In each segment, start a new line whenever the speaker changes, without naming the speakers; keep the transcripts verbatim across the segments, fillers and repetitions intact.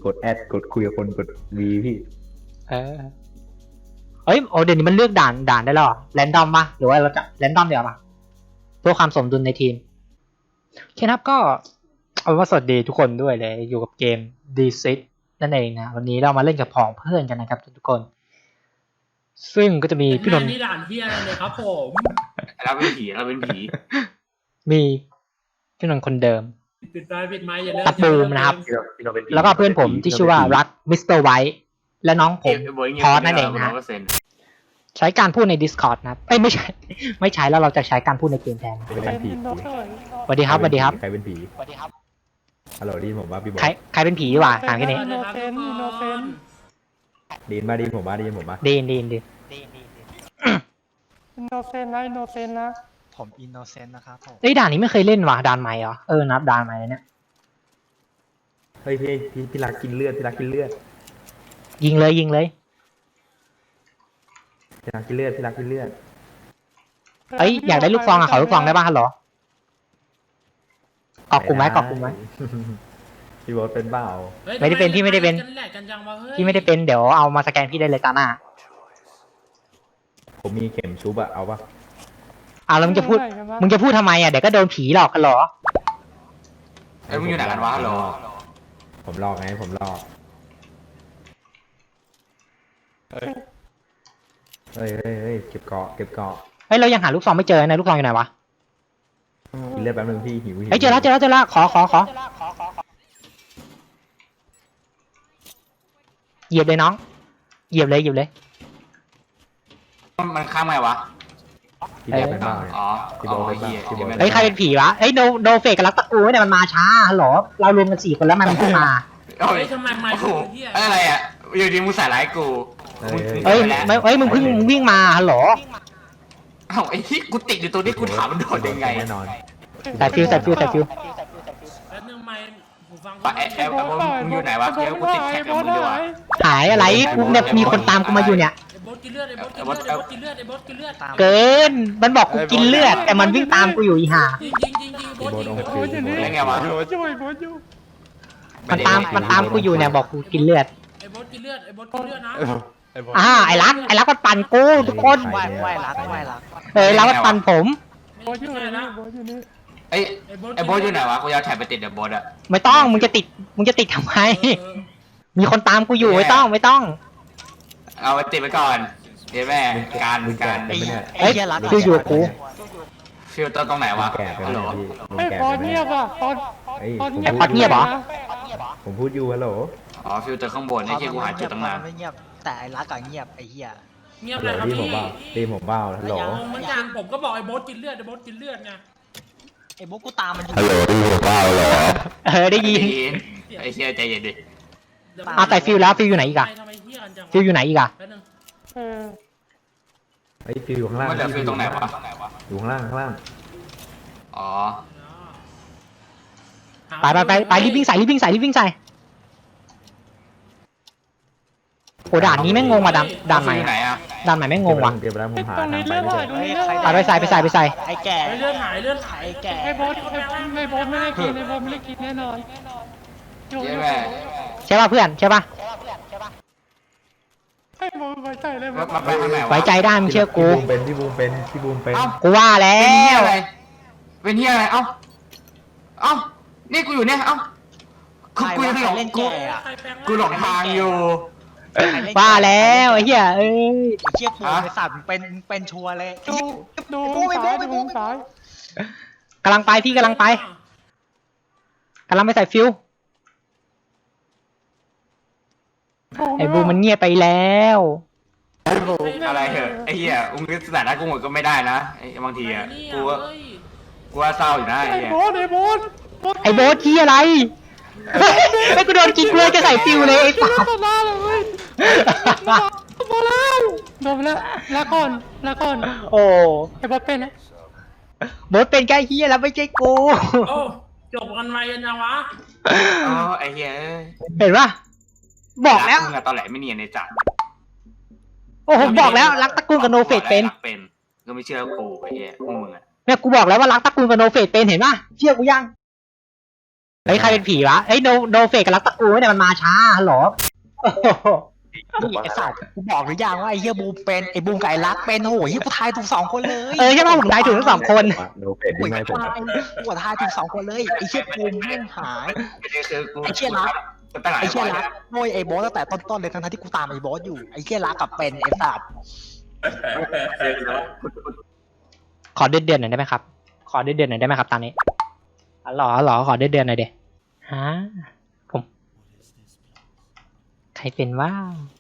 กดแอดกดคุยกับคนกดวีพี่
เออเอ้ยโอ้เดี๋ยวนี้มันเลือกด่านด่านได้แล้วแรนดอมปะหรือว่าเราจะแรนดอมเดี๋ยวปะเพื่อความสมดุลในทีมโอเคครับก็เอาว่าสวัสดีทุกคนด้วยเลยอยู่กับเกม ดี ซิก นั่นเองนะวันนี้เรามาเล่นกับผองเพื่อนกันนะครับทุกคนซึ่งก็จะมีพี่นนท์
นี่ด่านที่อะไรเลยครับผม
เราเป็นผีเราเป็นผี
มีพี่นนท์คนเดิม
ปิดไฟปิดไม้อย่าเลิก
ตะปูมนะครับแล้วก็เพื่อนผมที่ชื่อว่ารักมิสเตอร์ไวท์และน้องผมพอสนั่นเองนะใช้การพูดใน Discord นะครับเอ้ยไม่ใช่ ไม่ใช้แล้วเราจะใช้การพูดในเกมแทน
เป็นผี
สวัสดีครับสวัสดีครับ
ใครเป็นผี
สวัสดีครับ
ฮัลโหลดีผมว่าพี่บอล
ใครใครเป็นผีดีกว่าถามแค่นี้
อินโนเซนต์อินโนเซนต์
ดีนมาดีนผมว่าดีนผมว่า
ดีนดีนดีน
อินโนเซนต์นะอินโนเซนต์นะ
ผมอินโนเซนต์นะครับผม
เอ้ยด่านนี้ไม่เคยเล่นว่ะด่านใหม่เหรอเออนับด่านใหม่เนี่ย
เฮ้ยพี่พี่พี่รักกินเลือดพี่รักกินเลือด
ยิงเลยยิงเลย
พี่รักกินเลือดพี่รักกินเลือด
เอ้ยอยากได้ลูกซองอ่ะขอลูกซองได้ป่ะฮัลโหลกรอกกลุ่มไว้กรอกกลุ่มไว้
พี่บอลเป็นเปล่า
ไม่ได้เป็นพี่ไม่ได้เป็น พี่ไม่ได้เป็นเดี๋ยวเอามาสแกนพี่ได้เลยตาหน้า
ผมมีเข็มชุบอะเอาปะ
อ่ะแล้วมึงจะพูดมึงจะพูดทำไมอ่ะเดี๋ยวก็โดนผีหลอกกันเหรอ
เอ้ยมึงอยู่ไหนกันวะฮัลโหล
ผมลอกไงผมลอกเฮ้ยเฮ้ยเฮ้ยเก็บเกาะเก็บเกาะ
เฮ้ยเรายังหาลูกซองไม่เจอนะลูกซองอยู่ไหนวะ
กินเลือดแป๊บนึงพี่หิวหิว
เฮ้ยเจอแล้วเจอแล้วเจอแล้วขอขอขอเหยียบเลยน้องเหยียบเลยเหยียบเลย
มันข้ามไงวะ
พี่บอลเป็นเปล่าเนี่ย
อ๋อ
พี่บอลเป็นเปล่า
อ๋อ
พี่บอล
เฮ้ยใครเป็นผีวะเฮ้ยโนโนเฟกกับรักตะกูเนี่ยมันมาช้าฮัลโหลเรารวมกันสี่คนแล้วมันเพิ่งมา
เอ้
เฮ้
ย
ยทำไมไม่
โอ้โห
เฮีย
อะไรอ่ะอยู่ดีมึงใส่ร้ายกู
เฮ้ยไม่เฮ้ยมึงเพิ่งวิ่งมาฮัลโหล
เอ้าไอ้ที่กูติดอยู่ตัวนี้กูถามมันโดดยังไง
แน่นอน
ใส่ฟิวใส่ฟิวใส่ฟิว
แป๊บนึงไม่หูฟัง
ปะไอ้ไอ้ไอ้บอสมึงอยู่ไหนวะเดี๋ยวกูติดแท็กกับมึงดีกว่า
หายอะไรกูเนี่ยมีคนตามกูมาอยู่เนี่ย
ไอ้บดกินเลือดไอ้บดกินเลือดไอ้บดกินเลือดไอ้บดกินเลือด
เกินมันบอกกูกินเลือดแต่มันวิ่งตามกูอยู่อีห่า
จริงจริงจริงจริงบดจริง
โอ้
บ
โห
ดจริง
ได้ไงวะ
โบช่วยโบอยู่
มันตามมันตามกูอยู่เนี่ยบอกกูกินเลือด
ไอ้บดกินเลือดไอ้บดกินเลือดนะ
อ่าไอ้รักไอ้รักมันปั่นกูทุกคน
ไหวไหวรักไหวรัก
เออรักมันปั่นผม
โบอยู่นี่โบอยู่นี่
ไอ้ไอ้บอสอยู่ไหนวะกูจะเอาแท็กไปติดเดี๋ยวบอสอะ
ไม่ต้องมึงจะติดมึงจะติดทำไมมีคนตามกูอยู่ไม่ต้องไม่ต้อง
เอาไปติดไปก่อนเดี๋ยวแม่การการ
ไอ้
ไม่เนี่ย
เฮ้ย
เหี้ยรัก
ดูอยู่กับกู
ฟิลเตอร์ตรงไหนวะ
แก่ไป
ฮัลโหล
แล้วพี่
เฮ้ย
แก่
พอ
ไป
เงียบอ่ะพอ
เฮ้ย
พอ
ผม
เงียบ
พูด
พอเงียบเหรอ
ผมพูดอยู่ฮัลโหล
อ๋อฟิลเตอร์ข้างบนไอ้ที่กูหาจุดตั้งนาน
ไม่เงียบแต่ไอ้รักอะเงียบไอ้เหี้ย
เงียบ
ฮัลโห
เล
ล
ยครับ
ดี
พี่
ผมเปล่าดีผมเปล่าฮัลโหล
งงเหมือนกันผมก็บอกไอ้บดกินเลือดไอ้บดกินเลือดไง
ไอ้บุ๊กกูตามมันอยู่
ฮัลโหลดีผมเปล่าเหรอ
เออได้ยิน
ไอ้เชี่ยใจเย็นดิ
อ่ะแต่ฟิลแล้วฟิลอยู่ไหนอีกอะ
ทำไมเฮียกันจัง
ฟิลอยู่ไหนอีกอะ
แป๊บนึง
เออ
ไอ้ยฟิวอยู่ข้างล่าง
มันเหลือฟิลตรงไหนวะ
อยู่ข้างล่างข้างล่าง
อ๋อ
ไปไปไปไปรีบวิ่งใส่รีบวิ่งใส่รีบวิ่งใส่โอ้ด่านนี้แม่งงงว่ะด่านด่านใหม่
อยู่ไหน
อะ
อะ
ด่านใหม่แม่งงงว่ะ
เดี๋ยวไปแล้วผมหา
ตรง
ทาง
นี้
ไป
เลือด
ไม่
ไหล
เจอ
ตรงนี้เลือดไหล
ไปไปใส่ไปใส่ไปใส่
ไอ้แก่
เฮ้ยเลือดหายเลือดหาย
ไอ้แก่
ไอ้โบไอ้โบไม่ได้กินไอ้โบไม่ได้กินแน่นอน
เจ๊แม่
ใช่ป่ะเพื่อนใช่ป่ะ
ไอ้โบไว้ใจเลย
มามาไปทางไหนวะ
ไว้ใจได้มึงเชื่อกู
พี่บูมเป็นพี่บูมเป็นพี่บูมเป็น
เอ้า
กูว่าแล้
เป็นเฮียว อะไร เป็นเฮียอะไร เอ้า เอ้า นี่กูอยู่เนี่ย เอ้าคือกูยังหลง
เล่น
กู
แก่อะ
ใครแปลงร่าง
กูหลงทางอยู่
ว่าแล้วไอ้เหี้ยเอ้ย
ไอ้เชี่ยปูไอ้สัตว์มึงเป็นมึงเป็นชัวร์เลย
ดูดูซ้ายดูซ้าย
กำลังไปพี่กำลังไปกำลังไปใส่ฟิวไอ้บูมันเงียบไปแล้ว
อะไรเหอะไอ้เหี้ยอุ้งนึกสถานะกูหมดก็ไม่ได้นะไอ้บางทีอะกูว่ากูว่าเศร้าอยู่นะไอ้
ไอ้
เหี้ย
โบไอ้โบ
ไอ้โบ๊ทที่อะไรไอ้กูโดนกิ๊กเลยจะใส่ฟิวเลยไอ้สัส
ต่อหน้าเลยโบแล้วโดนแล้วลาก่อนลาก่อน
โอ้
ไอ้โบเป็นนะ
โบ๊ทเป็นแค่เฮียแล้วไม่ใช่กู
โอ้จบกันไวกันยังวะ
อ๋อไอ้เหี้ย
เห็นปะบอกแล้ว
มึงอะตอนแหลไม่เนียนในจัด
โอ้โหบอกแล้วรักตระกูลกับโนเฟตเป็น
เป็นก็ไม่เชื่อกูไอ้เหี้ยพวกมึงอะ
เนี่ยกูบอกแล้วว่ารักตระกูลกับโนเฟตเป็นเห็นปะเชื่อกูยังเฮ้ยใครเป็นผีวะเฮ้ยโนโนเฟกกับรักตะกูเนี่ยมันมาช้าฮัลโหลโอ้โห
นี่ไอ้สัตว์กูบอกหรือยังว่าไอ้เฮียบูมเป็นไอ้บูมกับไอ้รักเป็นโอ้โหเฮียกูทายถูกสองคนเลย
เออใช่ป่ะผมทายถูกทั้งสองคน
โนเฟดที่ไม่ผม
ทายกูทายถูกสองคนเลยไอ้เชี่ยบูมแม่งหาย
ประเด็นคือกู
ไอ้เชี่ยรัก
กูตั้งหลาย
ไอ้เชี่ย
วัน
รักโวยไอ้โบสตั้งแต่ต้นๆเลยทั้งๆที่กูตามไอ้โบสอยู่ไอ้เชี่ยรักกับเป็นไอ้สัตว์
ขอเดือนเดือนหน่อยได้ไหมครับ ขอเดือนเดือนหน่อยได้ไหมครับตอนนี้อ๋อเหรอเหรอขอเดือนเดือนหน่อยเดฮะผมใครเป็นว่า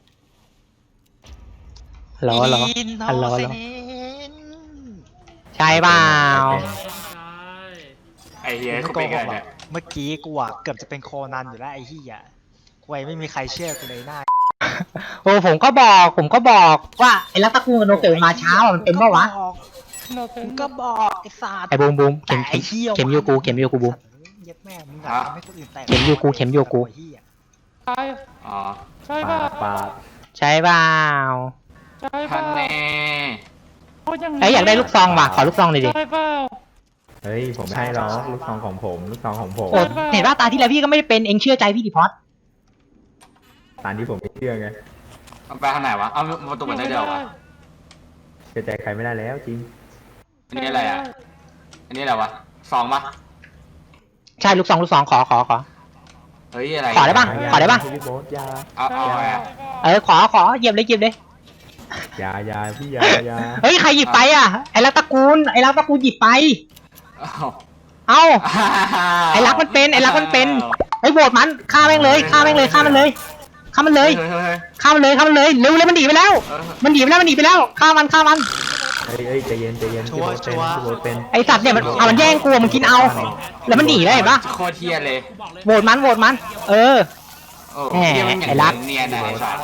ฮัลโหลฮัลโหล
อินโน
ฮัลโหลฮัล
เซ
โหล
น
ใช่เปล่า
ใช่
ไอ้เหี้ย
ไม่
กู
โก
เป็น
ห
ไง
กหรอ
เนี่
ก
ย
เมื่อกี้กูอะเกือบจะเป็นโคนันอยู่แล้วไอ้เหี้ยกูไม่มีใครเชื่อกูเลยหน้า
โอ้ผมก็บอก ผมก็บอกว่าไอ้รักตะกูกับโนเฟกมันมาช้าว่ะมันเป็นปะวะ
โนเฟ
กู
น
ก็บอกไอ้สัตว์
ไอ้บูมบูมเข็
แต่
ม
ไอ้
เข็ม
เหี้ย
เข็มโยกูเข็มโยกูบูม
เย็ดแม่มึงอะทำให้คนอื่นแตก
เข็มโยกูเข็มโยกู
ไอ้เหี้ย
ใช่
อ๋อ
ใช่
ปา
ป่ะ
ดปาด
ใช่เปล่า
ใช่
ท่า
ป่ะ
นแน่
พูดอย่างนี้
เอ้ยอยากได้ลูกซองว่ะขอลูกซองหน่อยดิ
ใช่เปล่า
เฮ้ยผมไม่ให้หรอกลูกซองของผมลูกซองของผม
โอ้เห็นว่าตาที่แล้วพี่ก็ไม่ได้เป็นเองเชื่อใจพี่ดิพอด
ตามที่ผมไม่เชื่อไง
เอาไปทางไหนวะเอาประตูมันได้เดียววะ
เชื่อใจใครไม่ได้แล้วจริง
อันนี้อะไรอ่ะอันนี้อะไรวะซองปะ
ใช่ลูกซองลูกซองขอขอขอ
เฮ้ยอะไร
ขอได้ปะ ขอได้ปะ
พี่โบ๊ทยา
เอาเอาเอาเอา
เออขอขอเหยียบเลยเหยียบเลย
ยายาพี่ยา ยา
เฮ้ยใครหยิบไปอ่ะไอ้รักตระกูลไอ้รักตระกูลหยิบไป
เอา
เอ้า ไอ้รักมันเป็นไอ้รักมันเป็น ไอ้โหวตมันฆ่าแม่งเลยฆ่าแม่งเลยฆ่ามันเลยฆ่ามันเลย
เฮ้ยเฮ้ยเฮ้ย
ฆ่ามันเลยฆ่ามันเลยเร็วเลยมันหนีไปแล้ว
เออ
มันหนีไปแล้วมันหนีไปแล้วฆ่ามันฆ่ามัน
เฮ้ยเฮ้ยใจเย็นใจเย็นพี่โบ๊ทเป็นพี่โบ๊ทเป็น
ไอ้สัตว์เนี่ยมันเอามันแย่งกูมันกินเอา แล้วมันหนีได้เห็นปะ
โคตรเทียเลย
กูบอกเลย
โหวตมันโหวตมัน เออ
โอ้
แหม
เหี้ยมันอย่าง
ไอ้รัก
เนียนนะไอ้สัส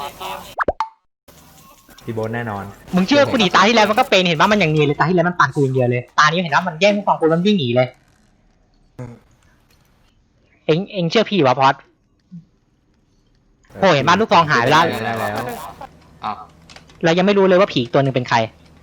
พี่โบ๊ทแน่นอน
มึงเชื่อกูดิตาที่แล้วมันก็เป็นเห็นว่ามันอย่างนี้เลยตาที่แล้วมันปั่นกูอย่างเดียวเลยตานี้เห็นว่ามันแย่งกูสองคนมันวิ่งหนีเลย เอ็งเอ็งเชื่อพี่วะพอด โอ้เห็นบ้านลูกซองหายไปแล้ว
ได้แล้ว
เอา
เรายังไม่รู้เลยว่าผีอีกตัวหนึ่งเป็นใคร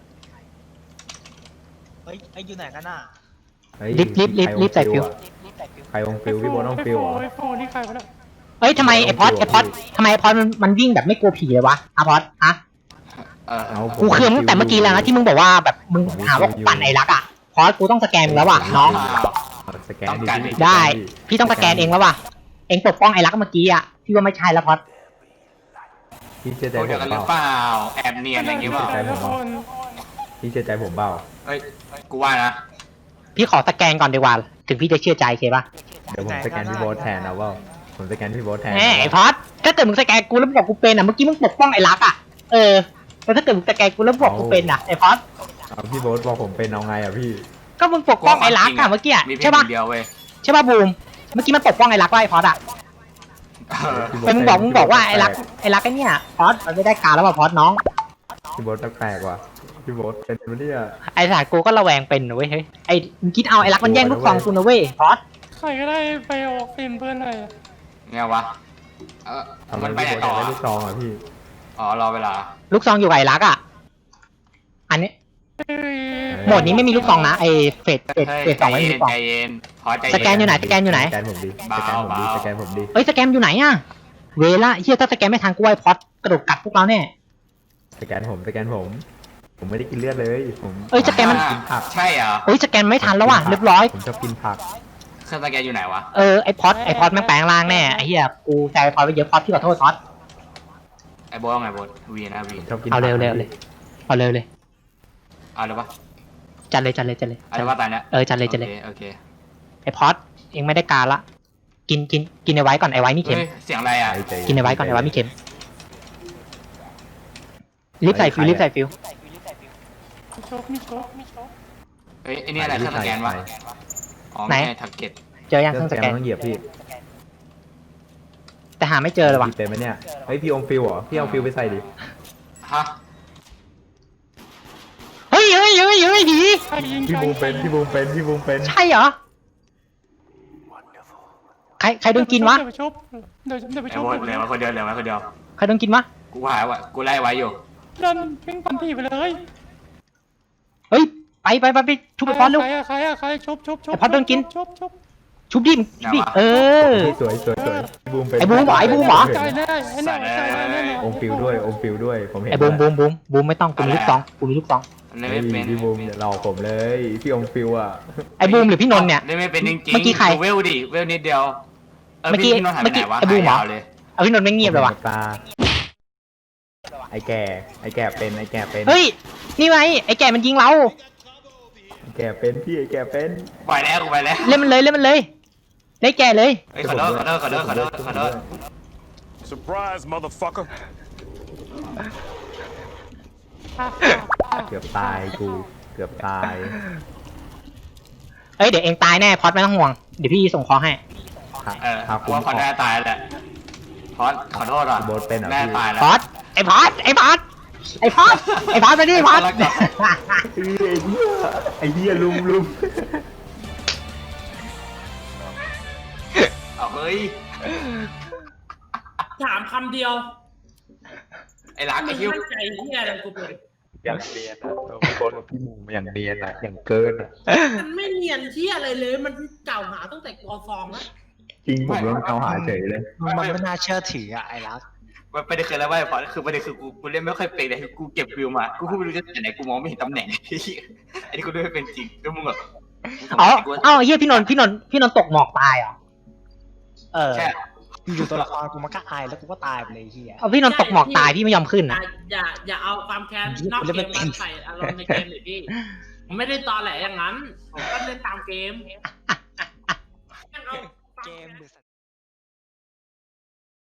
เฮ้ยไอ้อยู่ไหนกันน่ะ
เฮ้ย
รีบรีบรีบรีบใส่ฟิว
ใครองฟิวพี่โบ๊ทต้องฟิวเหรอ
ไอ้โฟนี่ใครวะเนี่ย
เอ้ยทำไมไอพอดไอพอดทำไมไอพอดมันมันวิ่งแบบไม่กลัวผีเลยวะอะพอดอะ
เออ
เอาผม
กูเคืองตั้งแต่เมื่อกี้แล้วนะที่มึงบอกว่าแบบมึงหาว่ากูปั่นไอ้รักอะพอดกูต้องสแกนมึงแล้วว่ะน้อง
เอาสแกนดิพี่
ได้ พี่ต้องสแกนเองแล้วว่ะเองปกป้องไอ้รักเมื่อกี้อะพี่ว่าไม่ใช่แล้วพอด
พี่เชื่อใจ
ตัว
ผ
เดียว
ม
กันห
เป
รือ
ล่า
เปล่าแอบเนียนอะไรอย่างเงี้ยเปล่า
ใจผม
คน
พี่เชื่อใจผมเปล่า
เฮ้ยกูว่านะ
พี่ขอสแกนก่อนดีกว่าถึงพี่จะเชื่อใจเคปะ
เดี๋ยวผมสแกนพี่โบ๊ทแทนเอาเปล่าผมสแกนพี่โบ๊ทแทน
แหมไอ้พอดถ้าเกิดมึงสแกนกูแล้วบอกกูเป็นอะเมื่อกี้มึงปกป้องไอ้รักอะเออแล้วถ้าเกิดมึงสแกนกูแล้วบอกกูเป็นอะไอ้พอด
เอาพี่โบ๊ทบอกผมเป็นเอาไงอ่ะพี่
ก็มึงปกป้องไอ้รักอะเมื่อกี้อะ
มีเพีย
ใช่
ง
ปะ
เดียวเว้ย
ใช่ปะบูมเมื่อกี้มันปกป้องไอ้รักว่าไอ้พอดอะ
เออ
เป็นมึงบอกมึงบอกว่าไอ้รักไอ้รักไอ้เนี่ยพอดมันไม่ได้การแล้วว่ะพอดน้อง
พี่โบ๊ทแปลกๆว่ะพี่โบ๊ทเป็นปะเนี่ย
ไอ้สารกูก็ระแวงเป็นนะเว้ยเฮ้ยไอ้มึงคิดเอาไอ้รักมันแย่งลูกซองกูนะเว้ยพอด
ใครก็ได้ไปออกฟิล์มเพื่อนหน่อย
ไงวะเออ
ทำไม
มันไป
พี่
ไหน
โบ๊ท
ต่
อยา
อก
ได้ลูกซองอ่ะพี่
อ๋อรอเวลา
ลูกซองอยู่กับไอ้รักอะอันนี้
เอ้ย
โหมดนี้ไม่มีลูกซองนะไอ้เฟสเฟส
เฮ้ย
เฟส
ใจ
สองไม่มี
เย็
ลู
น
กซอง
ใจเย็นพอใจเย็น
สแกนอยู่ไหนสแกนอยู่ไหน
สแกนผมดิสแกนผมดิสแกนผมดิ
เอ้ยสแกนอยู่ไหนอะเวล่าเฮียถ้าสแกนไม่ทันกูไอ้พอดกระโดดกัดพวกเราแน่
สแกนผมสแกนผม ผมไม่ได้กินเลือดเลยผม
เอ้ยสแกนมัน
อ่าใช่เหรอ
เอ้ยสแกนไม่ทันแล้วว่ะเรียบร้อย
ผมชอบกินผัก
เครื่องสแกนอยู่ไหนวะ
เออไอ้พอดไอ้พอดแม่งแปลงร่างแน่ไอ้เฮียกูแซวไอ้พอดไปเยอะพอดพี่ขอโทษพอด
ไอ้โบทเอาไงโบทวีนะวี
ผมชอบกิน
เอาเร็วเร็วเลยเอาเร็วเลย
เอาเลยปะ
จัดเลยจัดเลยจัดเลย
เอาเลยว่าตายเนี้ย
เออจัดเลยจัดเลย
โอคโอเค
ไอ้พอดเองไม่ได้การละกินกินกินไอ้ไว้ก่อนไอ้ไว้มีเข็ม
เฮ้ยเสียงอะไรอ่ะ
ใจเย็
กินไอ้ไว้ก่อนไอ้ไว้มีเข็มรีบใส่ฟิวรีบใส่ฟิว
มีโชคมีโชคมีโชค
เฮ้ยไอ้นี่อะไรเครื่องสแกนวะอ๋อ
ไหน
ไม่ใช่ทักเก็ต
เจอยัง
เค
เค
รื่
รื่
อ
อง งสแกน
สแกนต้องเหยียบพี่
แต่หาไม่เจอเลยว่ะ
พี่เป็นไหมเนี่ยเฮ้ยพี่อมฟิวเหรอพี่เอาฟิวไปใส่ดิ
ฮะ
เฮ้ยเฮ้ยเฮ้ยเฮ้ยผี
ใครยิง
พี่
ใคร
บูมเป็นพี่บูมเป็นพี่บูมเป็น
ใช่เหรอใครใครโดนกินวะ
เดี๋ยวไปชุบเดี๋ยวเดี๋ยวไป
ไอ้
ชุบ
โบทเหลือมาคนเดียวเหลือมาคนเดียว
ใครโดนกินวะ
กูหาว่ากูไล่ไว้อยู่
เดินวิ่งปันผีไปเลย
เฮ้ยไปไปไปไปทุบไปพอดเร็ว
ใครอะใครอะใครชุบชุบชุบ
ไอ้พอดโดนกิน
ชุบชุบ
ชุบดิมชุบดิเออ
สวยสวยสวยบูมเป็น
ไอ้บูมเหรอไอ้บูมเหรอ
ใจแน่ไอ้หน่อยใจแน่แน่นอน
อมฟิวด้วยอมฟิวด้วยผมเห็น
ไอ้บูมบูมบูมบูมไม่ต้องกูมีลูกซองกูมีลูกซอง
เล่น
เฮ้
ไม่
ย
เป็น
พี่บูมอย่าหลอกผมเลยพี่อมฟิวอ่ะ
ไอ้บูมหรือพี่นนท์เนี่ย
เล่นไม่เป็นจริงๆ
เมื่อกี้ใคร
ดูเวลดิเวลนิดเดียวเออ
เมื่อกี้
พี่พี่นนท์หายไปไหนวะ
เมื่อกี้ไอ้บูมเหรอ
หายยาวเลย
เอาพี่นนท์ไม่เงียบเลยว่ะ
ตาไอ้แก่ไอ้แก่เป็นไอ้แก่เป็น
เฮ้ยนี่ไงไอ้แก่มันยิงเรา
ไอ้แก่เป็นพี่ไอ้แก่เป็น
ปล่อยแล้วกูไปแล้ว
เล่นมันเลยเล่นมันเลยเล่นแก่เลย
เฮ้ยขอโทษขอโทษขอโทษขอโทษขอโทษ
Surprise, motherfucker.
เกือบตายกูเกือบตาย
เอ้ยเดี๋ยวเองตายแน่พอดไม่ต้องห่วงเดี๋ยวพี่ส่งคอให้
เออ
ครับ
กูว่าพอแน่ตายแหละพอดขอโทษอ่ะ
โบ๊ทเป็นเหรอ
แน่
พี่
ตายแล้ว
พอดไอ้พอดไอ้พอดไอ้พอดไอ้พอดมาดิพอด
ไอ้เหี้ยไอ้เหี้ยลุมลุม
เอาเฮ้ย
ถามคำเดียว
ไอ้รัก
มึ
ไอ้
ง
คิว
มั่นใจเฮียอะไรกูเป็น
อย่างเนียนอ่ะโบ๊ทพี่บูมอย่างเนียนอ่ะอย่างเกินอ่ะ
มันไม่เนียนเที่ยอะไรเลย มันเก่าหาตั้งแต่กอซองแล้ว
จริงผมโดนเขาหาเฉยเลย
มันไม่น่าเชื่อถืออะไอ้รัก
มันประเด็นคืออะไรวะไอ้พอดคือประเด็นคือกูกูเล่นไม่ค่อยเป็นเลยกูเก็บวิวมากูพูดไม่รู้จะไหนกูมองไม่เห็นตำแหน่งไอ้นี่กูเล่นไม่เป็นจริงแล้วมึงแบบ
อ๋อเอ้าเฮียพี่นนท์พี่นนท์พี่นนท์ตกหมอกตายเหรอ
เออ
แค่
อยู่ตัวละครกูมันก็อายแล้วกูก็ตายไปเลยไอ้เฮีย
เอาพี่นนท์ตกหมอกตายพี่ไม่ยอมขึ้น
อย่า
นะ
อย่าอย่าเอาความแค้นนอกเกมมาใส่อารมณ์ในเกมเลยพี่ ผมไม่ได้ตอแหลอย่างนั้น ผมก็เล่นตามเกม
เกม